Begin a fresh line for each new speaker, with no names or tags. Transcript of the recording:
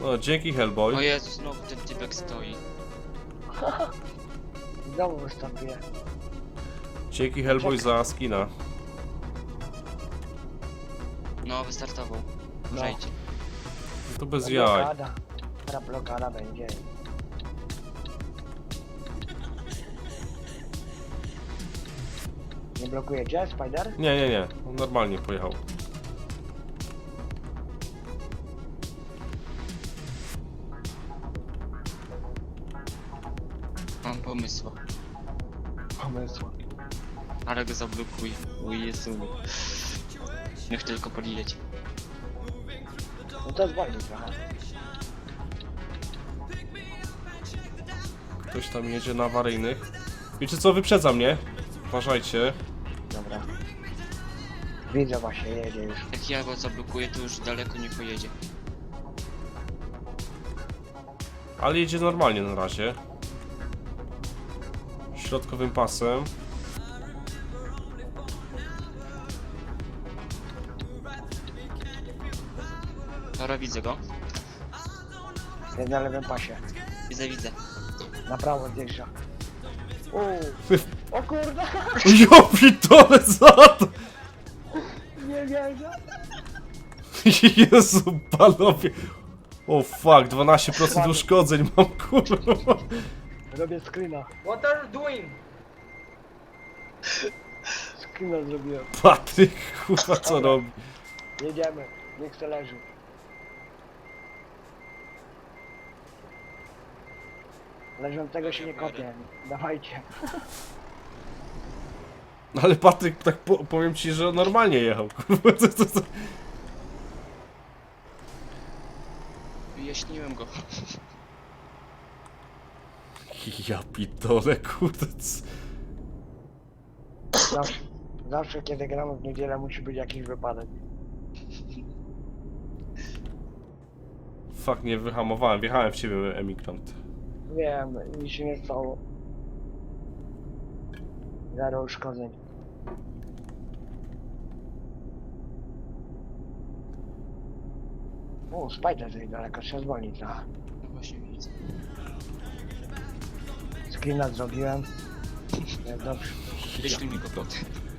No, dzięki
O
Hellboy.
Jezu, znowu ten typek stoi.
Znowu występuje.
Dzięki Hellboy za skina.
No, wystartował.
No.
Uważajcie.
To bez jaj.
Blokada. Teraz blokada będzie. Nie blokujecie, Spider?
Nie. On normalnie pojechał.
Mam pomysł.
Pomysł.
Ale go zablokuj. O Jezu. Niech tylko podjedzie.
No to zwolni trochę.
Ktoś tam jedzie na awaryjnych. Wiecie co, wyprzedza mnie. Uważajcie.
Dobra. Widzę właśnie, jedzie już.
Jak ja go zablokuję, to już daleko nie pojedzie.
Ale jedzie normalnie na razie. Środkowym pasem.
Dobra, widzę go.
Jest na lewym pasie.
Widzę.
Na prawo zjeżdża. O kurde!
Ja pitole za to!
Nie wierzę!
Jezu, panowie. O fuck, 12% uszkodzeń mam, kurwa.
Robię screena.
What are you doing?
Screena zrobiłem.
Patryk, kurwa, co robi?
Jedziemy. Niech se leży. Leżącego się nie kopie. Dawajcie.
No ale Patryk, tak powiem ci, że normalnie jechał, kurwa, co?
Wyjaśniłem go.
Ja pitole, kurde.
Zawsze kiedy gramy w niedzielę musi być jakiś wypadek.
Fuck, nie wyhamowałem, wjechałem w ciebie, emigrant.
Wiem, nic się nie stało. Zero uszkodzeń. O, Spider tutaj daleko, trzeba zwolnić trochę.
No właśnie widzę.
Screena zrobiłem. Jest dobrze.
Wyślij mi go potem.